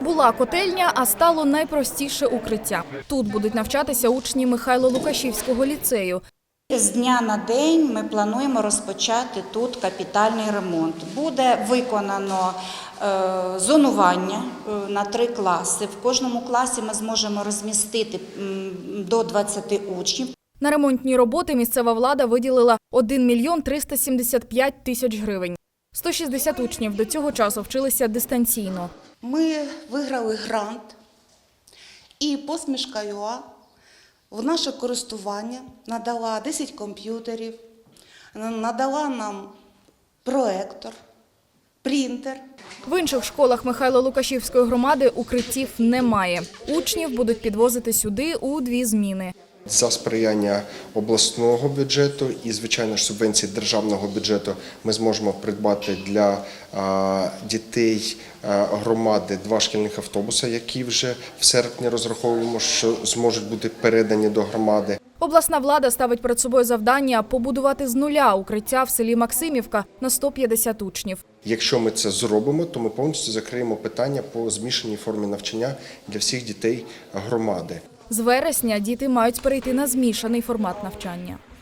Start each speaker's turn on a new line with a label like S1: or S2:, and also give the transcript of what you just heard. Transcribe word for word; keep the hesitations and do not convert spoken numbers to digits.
S1: Була котельня, а стало найпростіше укриття. Тут будуть навчатися учні Михайло-Лукашівського ліцею.
S2: З дня на день ми плануємо розпочати тут капітальний ремонт. Буде виконано е, зонування на три класи. В кожному класі ми зможемо розмістити м, до двадцяти учнів.
S1: На ремонтні роботи місцева влада виділила один мільйон триста сімдесят п'ять тисяч гривень. сто шістдесят учнів до цього часу вчилися дистанційно.
S3: Ми виграли грант, і посмішка ю а в наше користування надала десять комп'ютерів, надала нам проектор, принтер.
S1: В інших школах Михайло-Лукашівської громади укриттів немає. Учнів будуть підвозити сюди у дві зміни.
S4: За сприяння обласного бюджету і, звичайно ж, субвенції державного бюджету ми зможемо придбати для дітей громади два шкільних автобуси, які вже в серпні розраховуємо, що зможуть бути передані до громади.
S1: Обласна влада ставить перед собою завдання побудувати з нуля укриття в селі Максимівка на сто п'ятдесят учнів.
S4: Якщо ми це зробимо, то ми повністю закриємо питання по змішаній формі навчання для всіх дітей громади.
S1: З вересня діти мають перейти на змішаний формат навчання.